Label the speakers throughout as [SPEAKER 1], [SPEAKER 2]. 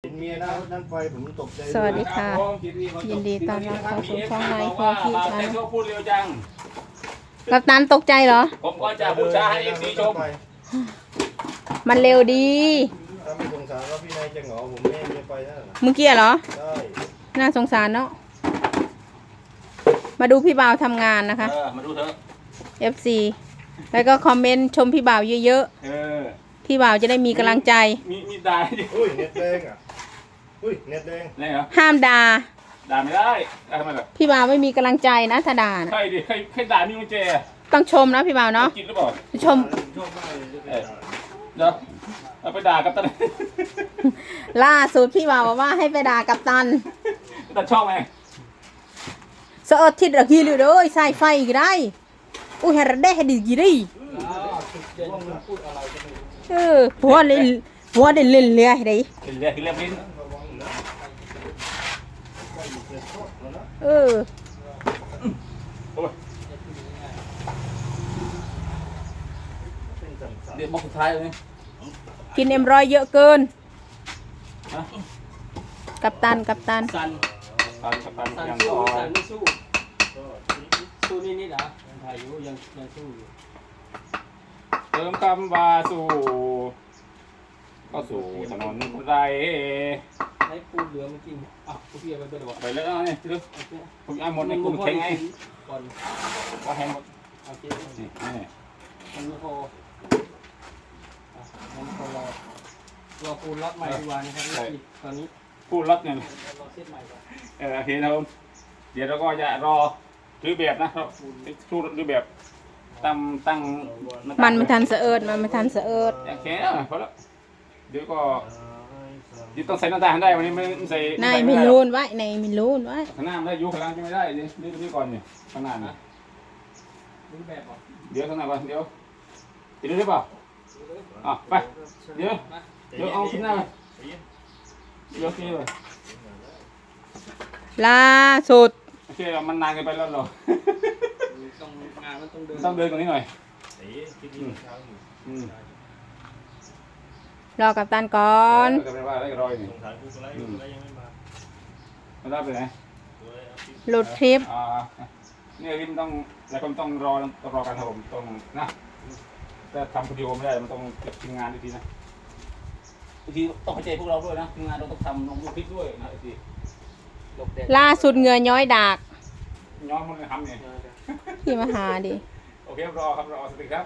[SPEAKER 1] เห็นเมียนั่งไฟผมตกใจ
[SPEAKER 2] สวัสดีค่ะยินดีต้อนรับเข้าสู่ช่องไลฟ์ของพี่ชาย
[SPEAKER 3] พูดเร็วจัง
[SPEAKER 2] กัปตันตกใจเหรอ
[SPEAKER 3] ผมก็จะบูชาให้เอฟซีชม
[SPEAKER 2] มันเร็วดี
[SPEAKER 1] ถ้าไม่สงสารว่าพี่นายจะเหงาผมไม่ให้เมียไปนั่นน่ะ
[SPEAKER 2] เมื่อกี้เหรอ
[SPEAKER 1] ได้
[SPEAKER 2] น่าสงสารเนาะมาดูพี่บ่าวทำงานนะคะ
[SPEAKER 3] มาดูเถอะ
[SPEAKER 2] FC แล้วก็คอมเมนต์ชมพี่บ่าวเยอะๆพี่บ่าวจะได้มีกำลังใจ
[SPEAKER 3] มีด่าดิ
[SPEAKER 1] อุ้ยเน็ตแดงอ่ะอุ้ยเน็ตแดง
[SPEAKER 3] อะไรเหรอ
[SPEAKER 2] ห้ามด่า
[SPEAKER 3] ด่าไม่ได้ทำไมล่ะ
[SPEAKER 2] พี่บ่าวไม่มีกำลังใจนะถ้าด่านะ
[SPEAKER 3] ใครดิใครด่ามีกุญแจ
[SPEAKER 2] ต้องชมนะพี่บ่าวเนาะ
[SPEAKER 3] กินหรือเปล่า
[SPEAKER 2] ชม
[SPEAKER 1] ชอบมากเลยจะไปด่า
[SPEAKER 3] เดี๋ยวเอาไปด่ากับตัน
[SPEAKER 2] ล่าสุดพี่บ่าวบอกว่าให้ไปด่ากัปตัน
[SPEAKER 3] ตันชอบไหม
[SPEAKER 2] เสอดทิดระกีเลยเด้อใส่ไฟก็ได้อุ้ยให้ระเด้ให้ดีกี่ดิหัวเล่นเล่นเรือให้ได้
[SPEAKER 3] กินเรียกลิ้น
[SPEAKER 2] เออ
[SPEAKER 3] โอ้ยเดี๋ยวบอกสุดท้ายเลย
[SPEAKER 2] กินM100เยอะเกิน
[SPEAKER 3] ฮะ
[SPEAKER 2] กัปตัน
[SPEAKER 4] สัน
[SPEAKER 3] ตัน
[SPEAKER 4] สัน
[SPEAKER 3] ยัง
[SPEAKER 4] สู้
[SPEAKER 3] ต่อ
[SPEAKER 4] สันไม่สู้สู้นิดๆเหรอยังถ่ายอยู่ยังสู้อยู่
[SPEAKER 3] เติมคำว่าสู่ก็สู่ถนนไร
[SPEAKER 4] ให้ปูเหลือมากินอ่ะกูเพียไปด้วย
[SPEAKER 3] ไปแล้วนี่ดูผมเอาหมดในกลุ่มแข็งไง
[SPEAKER 4] ก่อน
[SPEAKER 3] ว่าแข็งหมด
[SPEAKER 4] โอเค
[SPEAKER 3] นี่
[SPEAKER 4] มันไม่พอมันพอรอปูรับใหม่ดีกว่านะครับตอนนี้
[SPEAKER 3] ผู้รับเนี่ย
[SPEAKER 4] รอเซตใหม่ก่อน
[SPEAKER 3] โอเคนะครับผมเดี๋ยวเราก็จะรอรื้อแบบนะครับชูรื้อแบบตั้ง
[SPEAKER 2] มันไม่ทันเสะเอิดมันไม่ทันเสะเอิด
[SPEAKER 3] โอเคพอแล้วเดี๋ยวก็เดี๋ยวต้องใส่หน้าต่างได้วันนี้ไม่ใส่
[SPEAKER 2] นายไม่รู้ไว้นายไม่รู้ไว้
[SPEAKER 3] ข้างหน้าไม่ได้ยุข้างล่างจะไม่ได้นี่ก่อนเนี่ยข้างหน้านะ
[SPEAKER 4] รูปแบบก่อน
[SPEAKER 3] เดี๋ยวข้างหน้าก่อนเดี๋ยวติดได้เปล่าอ่ะไปเดี๋ยวเอาข้างหน้าเดี๋ยวนี่เลย
[SPEAKER 2] ล่าสุด
[SPEAKER 3] โอเคมันนานเกินไปแล้วเหรอ
[SPEAKER 4] ต้องงานมันต้องเดิน
[SPEAKER 3] ต้องเดินกว่านี้หน่อย
[SPEAKER 1] เอ๊ะคิดดีเช้าอยู่
[SPEAKER 2] รอกัปตันก่อน
[SPEAKER 3] ก็เป็นว่าได้รอยนี่
[SPEAKER 1] สงสารกูอะไรกูอะไรยังไม่มา
[SPEAKER 3] มันได้ไปไหน
[SPEAKER 1] กูอะไรเอาที่
[SPEAKER 2] หลุดทริป
[SPEAKER 3] เนี่ยริมต้องแล้วก็ต้องรอการทำผมต้องนะถ้าทำคนเดียวไม่ได้มันต้องเก็บทีมงานดีๆนะบางทีต้องเข้าใจพวกเราด้วยนะทีมงานเราต้องทำลงรูปคลิปด้วยนะที
[SPEAKER 4] หลบแดด
[SPEAKER 2] ล่าสุดเหงื่อย้อยดาก
[SPEAKER 3] ย้อนมันเลยทำเนี่ย
[SPEAKER 2] พี่มาหาดิ
[SPEAKER 3] โอเครอครับรอสติครับ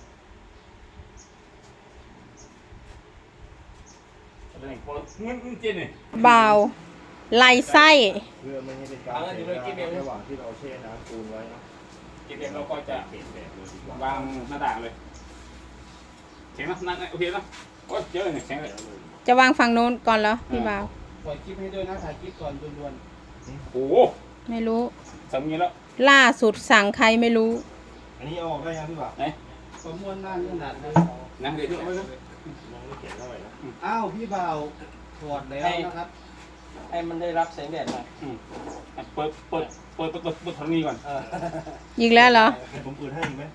[SPEAKER 3] เงินเจนนี่
[SPEAKER 2] เบาไหลไส้
[SPEAKER 1] เพื่อไม่ให้เป็นการเสียเวลาระหว่างที่เราแช่น้ำปูนไว้เนาะ
[SPEAKER 3] กินเองเราก็จะ
[SPEAKER 1] เปลี่ยนแบบเลยดีกว่า
[SPEAKER 3] วางหน้าต่างเลยแข็งนะนั่นโอเคนะโอ้ยเยอะเลยแข็งเลย
[SPEAKER 2] จะวางฝั่งโน้นก่อนเหรอพี่บ่าว
[SPEAKER 4] ปล่อยคลิปให้ด้วยนะถ่ายคลิปก่อนด่วน
[SPEAKER 3] โอ้โห
[SPEAKER 2] ไม่รู้
[SPEAKER 3] สามีแล้ว
[SPEAKER 2] ล่าสุดสั่งใครไม่รู้
[SPEAKER 1] อันนี้เอาออกได้ยังพี่บ่าว
[SPEAKER 3] ไหน
[SPEAKER 4] ๆประมวลด้านขนาดนั้น
[SPEAKER 3] นั่งเดี๋ยว
[SPEAKER 1] มองไม่เขียนเท่าไหร่นะ
[SPEAKER 4] อ้าวพี่บ่าวถอดแล้วนะครับให้มันได้รับแสงแดดหน่อย
[SPEAKER 3] เปิดทางนี้ก่อน
[SPEAKER 2] อีกแล้วเหรอ
[SPEAKER 1] ให้ผมเปิดให้อีกไหม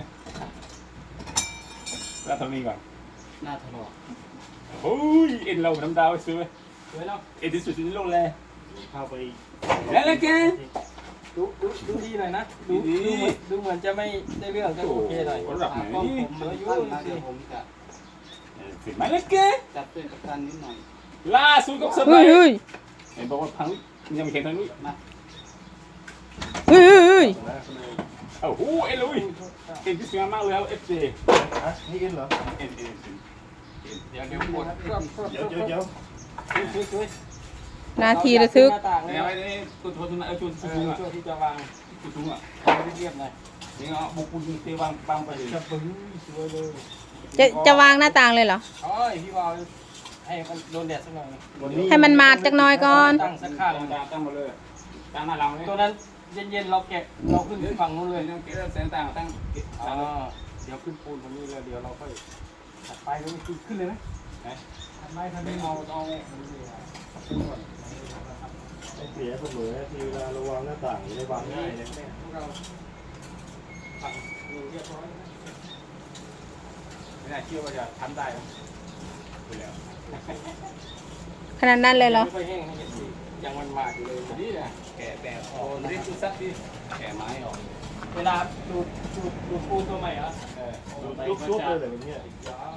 [SPEAKER 3] แล้วทางนี้ก่อน
[SPEAKER 4] หน้าถลอก
[SPEAKER 3] โอ้ยเอ็นเราน้ำดาวซื้อไหม
[SPEAKER 4] สวยเนาะ
[SPEAKER 3] เอ็นที่สุดในโลกเลย
[SPEAKER 1] เข้าไป
[SPEAKER 3] แล้วแก
[SPEAKER 4] ดูดีหน่อยนะดูเหมือนจะไม่ได้เรื่องก็โอเคหน่อย
[SPEAKER 3] ระดับไหน
[SPEAKER 4] กล้องผมเหลืออยู่สิ
[SPEAKER 3] สิไหมแล้วแก
[SPEAKER 4] จับเป็นกัปตันนิดหน่อย
[SPEAKER 3] ล่าสุดก็เซอร์ไพร
[SPEAKER 2] เฮ้ย
[SPEAKER 3] ส์
[SPEAKER 2] เฮ้ย
[SPEAKER 3] เห็นบอกว่าพังยังไม่แข็งทางนู้น
[SPEAKER 2] เฮ้ยเฮ้ย
[SPEAKER 3] โอ้โหเอ็นลุยเอ็นที่สวยมากเลยเอฟซี
[SPEAKER 1] ฮะนี่อินเหรอ
[SPEAKER 3] เอ็น
[SPEAKER 4] เดี๋ยวกด
[SPEAKER 1] เดี๋ยว
[SPEAKER 4] ช่วย
[SPEAKER 2] นาทีระทึก
[SPEAKER 4] หน้าต่าง
[SPEAKER 3] แล้วไอ้นี่ตัวทุนชวนสูงอ่ะ
[SPEAKER 4] ช่วยที่จะวาง
[SPEAKER 3] สูงอ่ะ
[SPEAKER 4] เรียบๆหน่อย
[SPEAKER 3] นี่เอาบุกปูนเตะวางไปเลย
[SPEAKER 4] จะปึ้งสวยเลย
[SPEAKER 2] จะวางหน้าต่างเลยเหรอ
[SPEAKER 4] โอ้ยพี่บอลให้มันโดนแดดสักหน่อย
[SPEAKER 1] วันนี้
[SPEAKER 2] ให้มันมาดจักหน่อยก่อน
[SPEAKER 4] ตั้งสักข้าง
[SPEAKER 3] ตั้งมาเลยตั้งหน้าเราเลย
[SPEAKER 4] ตัวนั้นเย็นๆเราแกะเราขึ้นฝั่งนู้นเลย
[SPEAKER 3] ตั้งเกลือแสงต่างตั้ง
[SPEAKER 4] เดี๋ยวขึ้นปูนตรงนี้แล้วเดี๋ยวเราค่อยถัดไปแล้วมันขึ้นเลยไหมถัดไปทำ
[SPEAKER 3] ไม่
[SPEAKER 4] ไม่
[SPEAKER 3] เอา
[SPEAKER 4] เอา
[SPEAKER 3] ปูนก่อน
[SPEAKER 1] เสียเสมอทีเวลาเราวางหน้าต่างได้วางง่ายเลย
[SPEAKER 4] พวกเราฝั่งนี้เรียบร้อย
[SPEAKER 3] ไม่น่าเชื่อว่าจะทำได้ไปแล้ว
[SPEAKER 2] ขนาดนั้นเลยเหรอ
[SPEAKER 4] ไม่ค่อยแห้งให้เห็นสิยังมันมากอยู่เลย
[SPEAKER 3] นี่นะแกะแบบออกรีบดูซักดิแกะไม้ออก
[SPEAKER 4] เวลาดูปูนตัวใหม่เหรอ
[SPEAKER 1] จุ๊บๆเลยแบบเนี้ย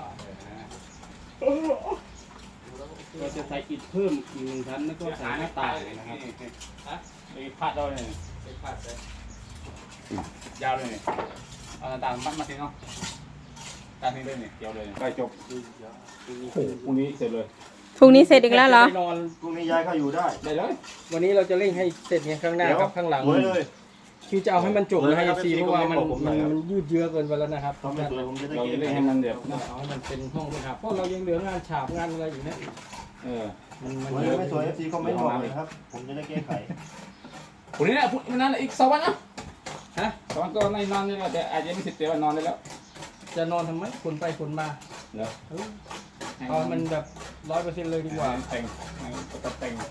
[SPEAKER 4] เราจะใส่อิฐเพิ่มอีก1 ชั้นแล้วก็ใส่หน้าต่างนะครับ
[SPEAKER 3] มีพาดเราเลย
[SPEAKER 4] ใส่ผัดเลย
[SPEAKER 3] ยาวเลยนี่เอาต่างๆมัดมาทีเนาะตามนี้เลยนี่เกี่ยวเลยใกล้จบโอ้โหพรุ่งนี้เสร็จเลย
[SPEAKER 2] พรุ่งนี้เสร็จอีกแล้วเหรอ
[SPEAKER 4] จะได้นอน
[SPEAKER 1] พรุ่งนี้ย้ายเข้าอยู่ได้
[SPEAKER 3] ได้เลย
[SPEAKER 4] วันนี้เราจะเร่งให้เสร็จเนี่ยข้างหน้ากับข้างหลัง
[SPEAKER 1] สวยเลย
[SPEAKER 4] คือจะเอาให้มันจบนะให้
[SPEAKER 1] ครับ
[SPEAKER 4] ซีเพราะว่ามัน
[SPEAKER 1] ผมหน่อยครับ
[SPEAKER 4] มันยืดเยื้อเกินไปแล้วนะครับ
[SPEAKER 1] ทำไม่สวยผมจะได้
[SPEAKER 3] เรา
[SPEAKER 1] เก็
[SPEAKER 3] จะ
[SPEAKER 1] บ
[SPEAKER 3] เล่นให้มันเดือดนะ
[SPEAKER 4] เอาให้มันเป็นห้องเป็นหับเพราะเรายังเหลืองานฉาบงานอะไรอยู่เนี่ย
[SPEAKER 3] เออ
[SPEAKER 4] มัน
[SPEAKER 1] สวย
[SPEAKER 4] เยอะ
[SPEAKER 1] ไม่สวยFC คอมเมนต์บอกเลยนะครับ ผมจะได้แก้ไข
[SPEAKER 3] พรุ่งนี้นะพรุ่งนี้นั่นอีก2 วันนะ
[SPEAKER 4] ฮะ
[SPEAKER 3] 2 วันก็ในนอนนี่แหละแต่อาจจะไม่เสร็จแต่ว่านอนได้แล้ว
[SPEAKER 4] จะนอนทำไมขนไปขนมา
[SPEAKER 3] เนาะ
[SPEAKER 4] เอามันแบบ100%เลยดีกว่า
[SPEAKER 3] แต่งก็แต่ง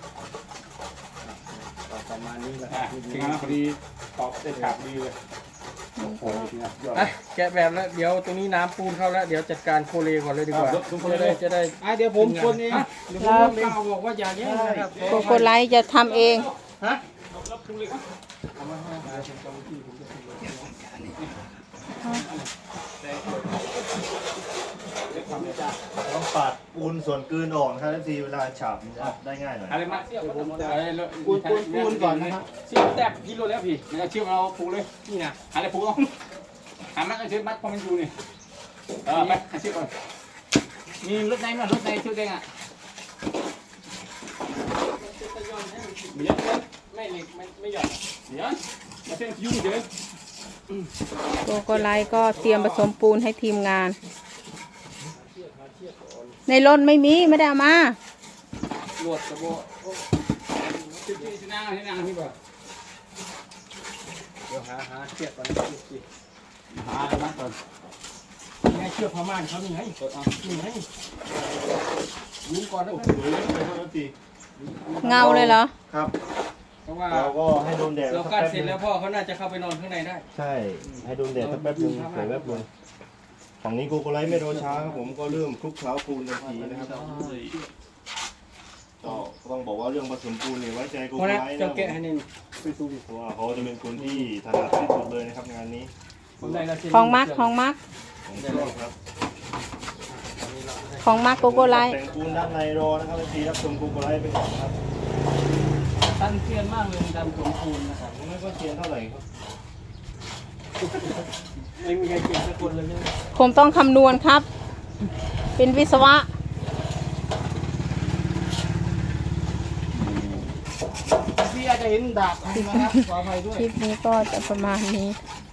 [SPEAKER 4] ประมาณนี้แหละ
[SPEAKER 3] อ่ะทีมงานพอดีตอบได้ขาดดีเลยโอ้โหทีมงานยอด
[SPEAKER 4] อ่ะแกะแบบแล้วเดี๋ยวตรงนี้น้ำปูนเข้าแล้วเดี๋ยวจัดการโคเลก่อนเลยดีกว่า
[SPEAKER 3] ครับทุกคนเลย
[SPEAKER 4] จะได้เดี๋ยวผมคนเองเดี๋ยวผมคนเองบอกว่าอย่าแย่งนะครับ
[SPEAKER 2] โกโกไลท์จะทำเอง
[SPEAKER 4] ฮะ
[SPEAKER 3] รับทุกเลยครับ
[SPEAKER 4] เอามาให้ผมจำที่ผมจะพูดเลย
[SPEAKER 1] ต้องปาดปูนส่วนกลืนออกนะครับ FC เวลาฉาบมันจะได้ง่ายหน่อย
[SPEAKER 3] อะไรมาเสียบผมอะไร
[SPEAKER 4] ปูนก่อนนะครับเสียบแตบกิโลแล้วพี่
[SPEAKER 3] ไม่เอาเชือกเอาผูกเลย
[SPEAKER 4] นี่นะ
[SPEAKER 3] อะไรผูกเอาหามัดเอาเชือกมัดพอมันอยู่นี่ไปหาเชือกก่อนมีรถไหนมั้ยรถไหนเชือกแดงอ่ะมีเยอะเลย
[SPEAKER 4] ไม่เหล็กไม่หย่อน
[SPEAKER 3] เดี๋ยวมาเส้นยุ่งเดี๋ยว
[SPEAKER 2] โกโกไลท์ก็เตรียมผสมปูนให้ทีมงาน ในรถไม่มีไม่ได้เอามา
[SPEAKER 4] ลวดกระโบ
[SPEAKER 3] ที่นั่งที่บ่
[SPEAKER 4] เดี๋ยวหาเชือกก่อนนะพี่
[SPEAKER 3] หาอะไรมาก่อน
[SPEAKER 4] นี่ไงเชือกพม่านเขานี่ไงนี่ไงรู้ก่อนนะ
[SPEAKER 1] สวยเลยครับ FC
[SPEAKER 2] เงาเลยเหรอ
[SPEAKER 1] ครับ
[SPEAKER 4] เพราะว่า
[SPEAKER 1] เราก็ให้โดนแดด
[SPEAKER 4] เรา
[SPEAKER 1] สัก
[SPEAKER 4] กั้น
[SPEAKER 1] แป๊บ
[SPEAKER 4] เสร็
[SPEAKER 1] นึ
[SPEAKER 4] จ
[SPEAKER 1] ง
[SPEAKER 4] แล้วพ่อเขาน่าจะเข้าไปนอนข้างในได้
[SPEAKER 1] ใช่ ให้โดนแดดสักแป๊บนึงสวยแป๊บนึงฝั่งนี้โกโกไลท์ไม่รอช้าครับผมก็เริ่มคลุกเคล้าปูนทันทีนะครับก็ต้องบอกว่าเรื่องผสมปูนเนี่ยไว้ใจโก
[SPEAKER 4] เพ
[SPEAKER 1] โก
[SPEAKER 4] ราะ
[SPEAKER 1] ไล
[SPEAKER 4] นั้น
[SPEAKER 1] ท์
[SPEAKER 4] จะ
[SPEAKER 1] นะ
[SPEAKER 4] แกะให้นี่ไปดูดิ
[SPEAKER 1] เพราะว่าเขาจะเป็นคนที่ถนัดที่สุดเลยนะครับงานนี้
[SPEAKER 4] ผมได้ละเส้น
[SPEAKER 2] ของมักของมัก
[SPEAKER 1] ผมชอบครับ
[SPEAKER 2] ของมักโกโกไลท์
[SPEAKER 1] แต่งปูนด้านในรอนะครับทีรับชมโกโกไลท์ไปก่อนครับ
[SPEAKER 4] ตันเซียนมากเลยในการผสมปูนนะครับ
[SPEAKER 1] ผมไม่ก็เทียนเท่าไหร่ครับ
[SPEAKER 4] ไม่มีใครเก่งสักคนเลยเนี่ย
[SPEAKER 2] ผมต้องคำนวณครับ เป็นวิศวะ
[SPEAKER 4] พี่อาจจะเห็นดาบนะครับขออภัยด้วย
[SPEAKER 2] คลิปนี้ก็จะประมาณนี้
[SPEAKER 1] ค